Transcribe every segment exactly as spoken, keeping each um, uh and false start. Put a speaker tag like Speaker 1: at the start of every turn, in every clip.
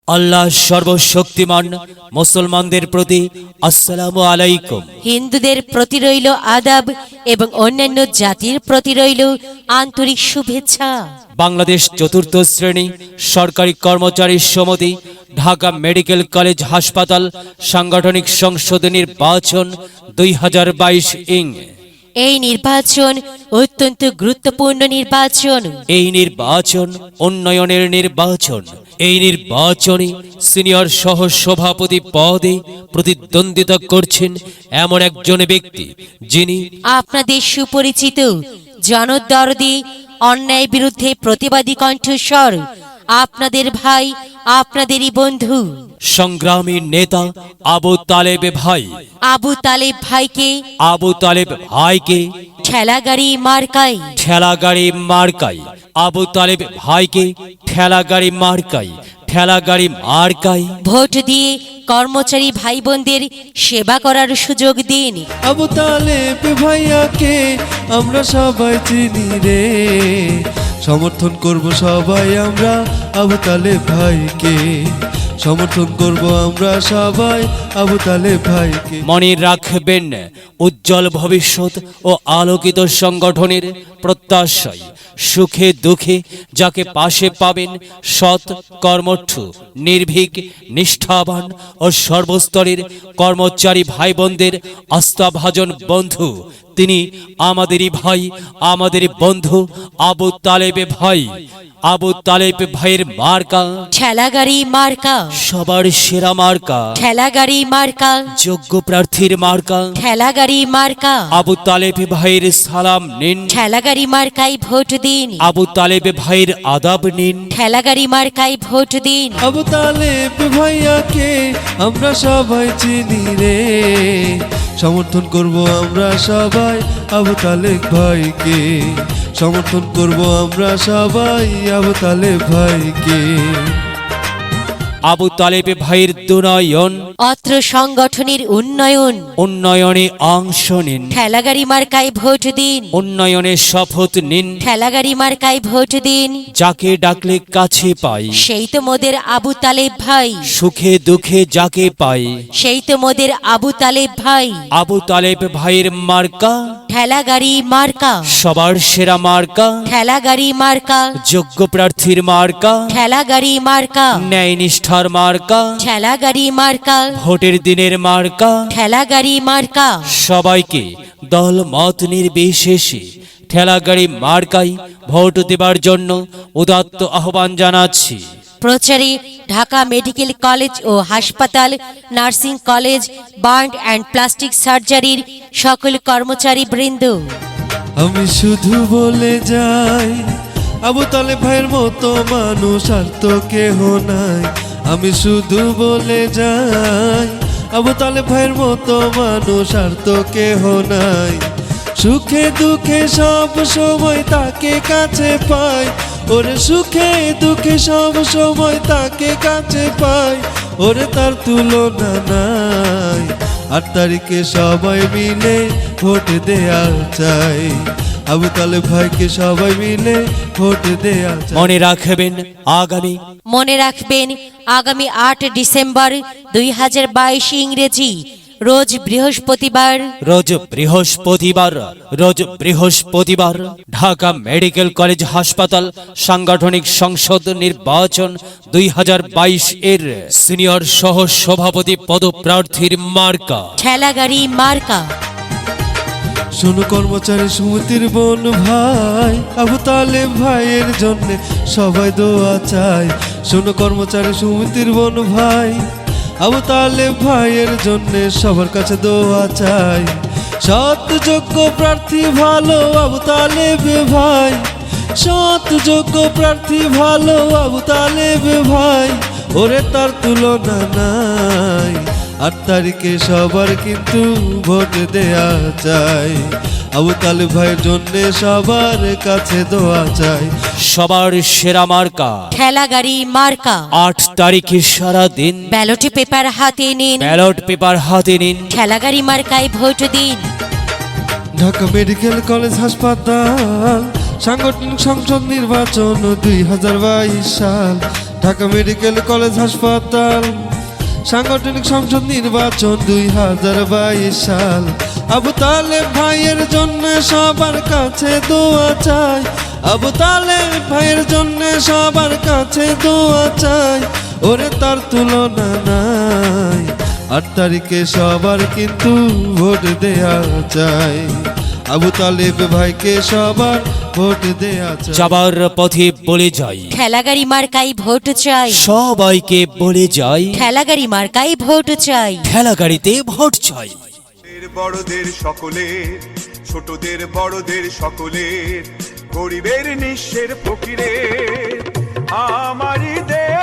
Speaker 1: আল্লাহ সর্বশক্তিমান। মুসলমানদের প্রতি আসসালামু আলাইকুম।
Speaker 2: হিন্দুদের প্রতি রইল আদাব এবং অন্যান্য জাতির প্রতি রইল আন্তরিক শুভেচ্ছা।
Speaker 1: বাংলাদেশ চতুর্থ শ্রেণী সরকারি কর্মচারী সমিতি ঢাকা মেডিকেল কলেজ হাসপাতাল সাংগঠনিক সংসদ নির্বাচন দুই হাজার বাইশ ইং
Speaker 2: এই নির্বাচন অত্যন্ত গুরুত্বপূর্ণ নির্বাচন।
Speaker 1: এই নির্বাচন উন্নয়নের নির্বাচন। এই নির্বাচনে সিনিয়র সহ সভাপতি পদে প্রতিদ্বন্দ্বিতা করছেন এমন একজন ব্যক্তি যিনি
Speaker 2: আপনাদের সুপরিচিত, জনদরদি, অন্যায় বিরুদ্ধে প্রতিবাদী কণ্ঠস্বর, আপনাদের ভাই, আপনাদেরই বন্ধু,
Speaker 1: সংগ্রামী নেতা আবু তালেব ভাই।
Speaker 2: আবু তালেব ভাইকে
Speaker 1: আবু তালেব ভাইকে
Speaker 2: ঠেলাগাড়ি মার্কাই
Speaker 1: ঠেলাগাড়ি মার্কাই আবু তালেব ভাইকে ঠেলাগাড়ি মার্কাই ঠেলাগাড়ি মার্কাই
Speaker 2: ভোট দিয়ে কর্মচারী ভাই বোনদের সেবা করার সুযোগ দিন।
Speaker 3: আবু তালেব ভাইয়াকে আমরা সবাই চিনি রে, সমর্থন করব সবাই আমরা আবু তালেব ভাইকে, সমর্থন করব আমরা সবাই আবু তালেব ভাইকে।
Speaker 1: মনে রাখবেন, উজ্জ্বল ভবিষ্যৎ ও আলোকিত সংগঠনের প্রত্যাশায় সুখে দুঃখে যাকে পাশে পাবেন, সৎ, কর্মঠ, নির্ভীক, নিষ্ঠাবান ও সর্বস্তরের কর্মচারী ভাই বোনদের আস্থাভাজন বন্ধু, তিনি আমাদেরই ভাই, আমাদেরই বন্ধু আবু তালেব ভাই। আবু তালেব ভাইয়ের মার্কা
Speaker 2: ঠেলাগাড়ি মার্কা,
Speaker 1: সবার সেরা মার্কা।
Speaker 2: ঠেলাগাড়ি মার্কা,
Speaker 1: যোগ্য প্রার্থীর মার্কা।
Speaker 2: ঠেলাগাড়ি মার্কা।
Speaker 1: আবু তালেব ভাইয়ের সালাম নিন,
Speaker 2: ঠেলাগাড়ি মার্কায় ভোট দিন।
Speaker 1: আবু তালেব ভাইয়ের আদাব নিন,
Speaker 2: ঠেলাগাড়ি মার্কায় ভোট দিন।
Speaker 3: আবু তালেব ভাইয়াকে আমরা সবাই চিনি রে, সমর্থন করব আমরা সবাই আবু তালেব ভাইকে, সমর্থন করব আমরা সবাই আবু তালেব ভাইকে।
Speaker 1: আবু তালেব ভাইয়ের দুনয়ন
Speaker 2: অত্র সংগঠনের উন্নয়ন,
Speaker 1: উন্নয়নে অংশ নিন,
Speaker 2: ঠেলাগাড়ি মার্কায় ভোট দিন।
Speaker 1: উন্নয়নে শপথ নিন।
Speaker 2: ঠেলাগাড়ি মার্কায় ভোট দিন।
Speaker 1: যাকে ডাকলে কাছে পাই,
Speaker 2: সেই তো মোদের আবু তালেব ভাই,
Speaker 1: সুখে দুঃখে যাকে পাই,
Speaker 2: সেই তো মোদের আবু তালেব ভাই।
Speaker 1: আবু তালেব ভাইয়ের মার্কা
Speaker 2: ঠেলাগাড়ি মার্কা,
Speaker 1: সবার সেরা মার্কা।
Speaker 2: ঠেলাগাড়ি মার্কা,
Speaker 1: যোগ্য প্রার্থীর মার্কা,
Speaker 2: ঠেলাগাড়ি মার্কা,
Speaker 1: ন্যায় নিষ্ঠার মার্কা,
Speaker 2: ঠেলাগাড়ি মার্কা,
Speaker 1: ভোটের দিনের মার্কা।
Speaker 2: ঠেলাগাড়ি মার্কা।
Speaker 1: সবাইকে দল মত নির্বিশেষে ঠেলাগাড়ি মার্কাই ভোট দেবার জন্য উদাত্ত আহ্বান জানাচ্ছি।
Speaker 2: প্রচারে ঢাকা মেডিকেল কলেজ ও হাসপাতাল, nursing college, burn and plastic সার্জারির সকল কর্মচারী বৃন্দ।
Speaker 3: আমি শুধু বলে যাই, আবু তালেব ভাইয়ের মতো মানুষ আর তো কেহ নাই। আমি শুধু বলে যাই, আবু তালেব ভাইয়ের মতো মানুষ আর তো কেহ নাই। সুখে দুঃখে সব সময় তাকে কাছে পাই, ওরে সুখে দুঃখে সব সময় তাকে কাছে পাই, ওরে তার তুলনা নাই। আট তারিখে সবাই মিলে ভোট দেয়া চাই, আবু তালেব ভাইকে সবাই মিলে ভোট দেয়া চাই।
Speaker 1: মনে রাখবেন, আগামী
Speaker 2: মনে রাখবেন আগামী আট ডিসেম্বর দুই হাজার বাইশ ইংরেজি রোজ বৃহস্পতিবার
Speaker 1: রোজ বৃহস্পতিবার রোজ বৃহস্পতিবার ঢাকা মেডিকেল কলেজ হাসপাতাল সাংগঠনিক সংসদ নির্বাচন দুই হাজার বাইশ এর সিনিয়র সহ সভাপতি পদপ্রার্থীর মার্কা
Speaker 2: ঠেলাগাড়ি মার্কা।
Speaker 3: শোনো কর্মচারী সমিতির বোন ভাই, আবু তালেব ভাইয়ের জন্য সবাই দোয়া চাই। শোনো কর্মচারী সমিতির বোন ভাই, আবু তালেব ভাইয়ের জন্য সবার কাছে দোয়া চাই। সৎ যোগ্য প্রার্থী ভালো আবু তালেব ভাই, সৎ যোগ্য প্রার্থী ভালো আবু তালেব ভাই, ওরে তার তুলনা নাই। আট তারিখে সবার কিন্তু ভোট দেয়া চাই, আবু তালেব ভাইয়ের জন্য সবার কাছে দোয়া চাই।
Speaker 1: সবার সেরা মার্কা
Speaker 2: ঠেলাগাড়ি মার্কা।
Speaker 1: আট তারিখে সারা দিন
Speaker 2: ব্যালট পেপার হাতে নিন,
Speaker 1: ব্যালট পেপার হাতে নিন,
Speaker 2: ঠেলাগাড়ি মার্কায় ভোট দিন।
Speaker 3: ঢাকা মেডিকেল কলেজ হাসপাতাল সাংগঠনিক সংসদ নির্বাচন দুই হাজার বাইশ সাল, ঢাকা মেডিকেল কলেজ হাসপাতাল সাংগঠনিক সংসদ নির্বাচন দুই হাজার বাইশ সাল। আবু তালেব ভাইয়ের জন্য সবার কাছে দোয়া চাই, আবু তালেব ভাইয়ের জন্য সবার কাছে দোয়া চাই, ওরে তার তুলনা নাই। আট তারিখে সবার কিন্তু ভোট দেয়া চাই, আবু তালেব ভাইকে সবার ভোট দেয়া চাই।
Speaker 1: যাবার পথে বলে যাই,
Speaker 2: ঠেলাগাড়ি মার্কাই ভোট চাই,
Speaker 1: সবাইকে বলে যাই,
Speaker 2: ঠেলাগাড়ি মার্কাই ভোট চাই।
Speaker 1: ঠেলা গাড়িতে ভোট চাই।
Speaker 4: বড়দের সকলের, ছোটদের বড়দের সকলের, গরিবের নিঃস্বের ফকিরের, আমারই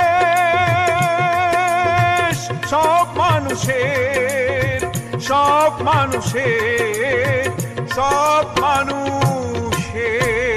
Speaker 4: দেশ সব মানুষের, সব মানুষের, সব মানুষের।